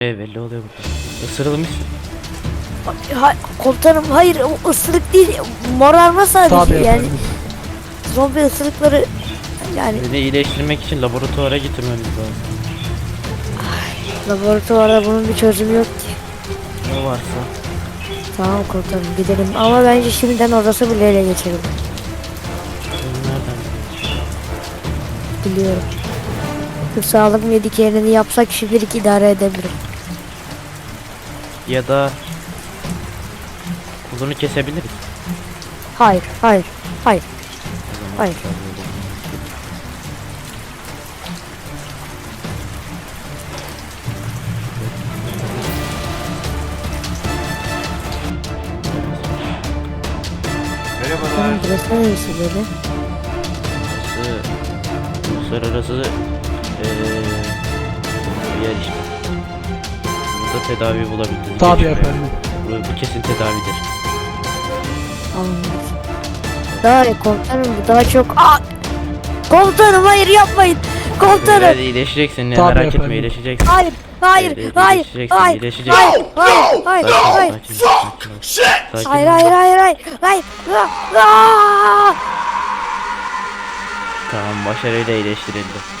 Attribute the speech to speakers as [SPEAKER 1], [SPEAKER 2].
[SPEAKER 1] Belli oluyor burada. Isırılmışsın.
[SPEAKER 2] Komutanım hayır, o ısırık değil, morarma sadece.
[SPEAKER 3] Tabii
[SPEAKER 2] yani
[SPEAKER 3] efendim.
[SPEAKER 2] zombi ısırıkları yani.
[SPEAKER 1] Beni iyileştirmek için laboratuvara getirmemiz lazım.
[SPEAKER 2] Laboratuvarda bunun bir çözümü yok ki.
[SPEAKER 1] Ne varsa.
[SPEAKER 2] Tamam komutanım, gidelim ama bence şimdiden orası bile ele geçelim.
[SPEAKER 1] Sen nereden biliyorsun?
[SPEAKER 2] Biliyorum. Türk sağlık medikerini yapsak şimdilik idare edebilirim.
[SPEAKER 1] Ya da kolunu kesebiliriz.
[SPEAKER 2] Hayır, hayır, hayır.
[SPEAKER 1] O zaman
[SPEAKER 2] Hayır.
[SPEAKER 4] Merhabalar.
[SPEAKER 2] Burası neresi böyle?
[SPEAKER 1] Uluslararası bir yer işte. Burada tedavi bulabiliriz.
[SPEAKER 3] Tabii
[SPEAKER 1] Geçmiyor.
[SPEAKER 3] efendim.
[SPEAKER 1] Bu kesin tedavidir.
[SPEAKER 2] Anladım. Daha iyi komutanım, bu daha çok... Komutanım hayır, yapmayın! Komutanım!
[SPEAKER 1] Hadi iyileşeceksin ya,
[SPEAKER 3] Tabii
[SPEAKER 1] merak
[SPEAKER 3] efendim.
[SPEAKER 1] etme, iyileşeceksin.
[SPEAKER 2] Hayır, hayır,
[SPEAKER 1] Evet,
[SPEAKER 2] hayır,
[SPEAKER 1] iyileşeceksin,
[SPEAKER 2] hayır,
[SPEAKER 1] iyileşeceksin.
[SPEAKER 2] hayır, hayır, hayır,
[SPEAKER 1] Sakin ol,
[SPEAKER 2] hayır,
[SPEAKER 1] sakin ol, sakin ol. Sakin
[SPEAKER 2] hayır,
[SPEAKER 1] ol.
[SPEAKER 2] hayır, hayır, hayır, hayır,
[SPEAKER 1] Tamam, başarıyla iyileştirildi.